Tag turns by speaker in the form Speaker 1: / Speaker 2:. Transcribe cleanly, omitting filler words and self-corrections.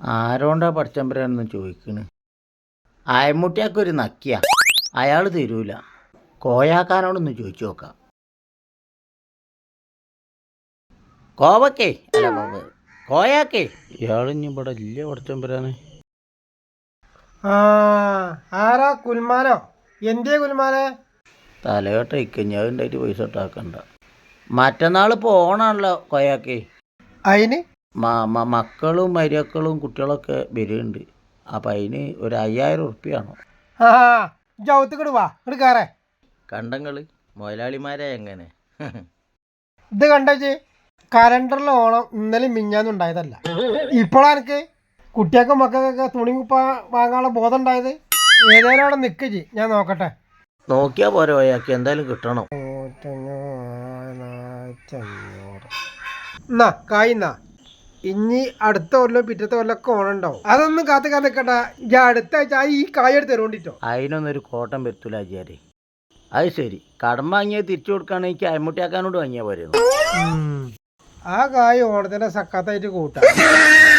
Speaker 1: ആരോണ്ടാ പഠിച്ചമ്പരാന്ന് ചോദിക്കണ്. അയമുട്ടിയാക്കൊരു നക്കിയ അയാൾ തരൂല. കോയാക്കാനോടൊന്ന് ചോദിച്ചു നോക്കാം. കോവക്കേ അല്ല കോയാക്കേ ഇയാളിഞ്ഞി ഇവിടെ ഇല്ല പഠിച്ചമ്പരാന്.
Speaker 2: ആരാ കുൽമാനോ? എന്തേ കുൽമാനെ?
Speaker 1: തലയോട്ട ഇക്കഞ്ഞാണ്ടായിട്ട് പൈസ ഇട്ടാക്കണ്ട. മറ്റന്നാൾ പോണാണല്ലോ കോയാക്കേ.
Speaker 2: അതിന്
Speaker 1: മക്കളും മരിയക്കളും കുട്ടികളൊക്കെ വരുന്നുണ്ട്. അപ്പം അതിന് ഒരു 5000 ഉറുപ്പ്യാണോ?
Speaker 2: ജൗത്തുക്കിട് വാ ഇങ്ങോട്ട് കയറേ.
Speaker 1: കണ്ടങ്ങൾ മുതലാളിമാരെ എങ്ങനെ
Speaker 2: ഇത് കണ്ടേച്ച് കലണ്ടറിൽ ഓണം ഇന്നലെ മിഞ്ഞാന്നും ഉണ്ടായതല്ല. ഇപ്പോഴാണ് എനിക്ക് കുട്ടികൾക്കും മക്കൾക്കൊക്കെ തുണി കുപ്പ വാങ്ങാനുള്ള ബോധം ഉണ്ടായത്. ഏതായാലും അവിടെ നിൽക്കജി, ഞാൻ നോക്കട്ടെ.
Speaker 1: നോക്കിയാൽ പോരെ കോയാക്കി, എന്തായാലും കിട്ടണം.
Speaker 2: എന്നാ കായ്ന്നാ ഇനി അടുത്ത കൊല്ലം പിറ്റത്തെ കൊല്ലമൊക്കെ ഓണം ഉണ്ടാവും. അതൊന്നും കാത്ത് നിൽക്കണ്ട. ഞാൻ അടുത്ത ആഴ്ച ഈ കായ എടുത്ത് തരുകൊണ്ടിട്ടോ.
Speaker 1: അതിനൊന്നൊരു കോട്ടം വരുത്തൂല ആചാര്യ. അത് ശരി, കടം വാങ്ങിയത് തിരിച്ചു കൊടുക്കുകയാണെങ്കിൽ അയമുട്ടിയാക്കാനോട് വാങ്ങിയാൽ പോരുന്നു.
Speaker 2: ആ കായ് ഓണത്തിന്റെ സക്കാത്തായിട്ട് കൂട്ടാം.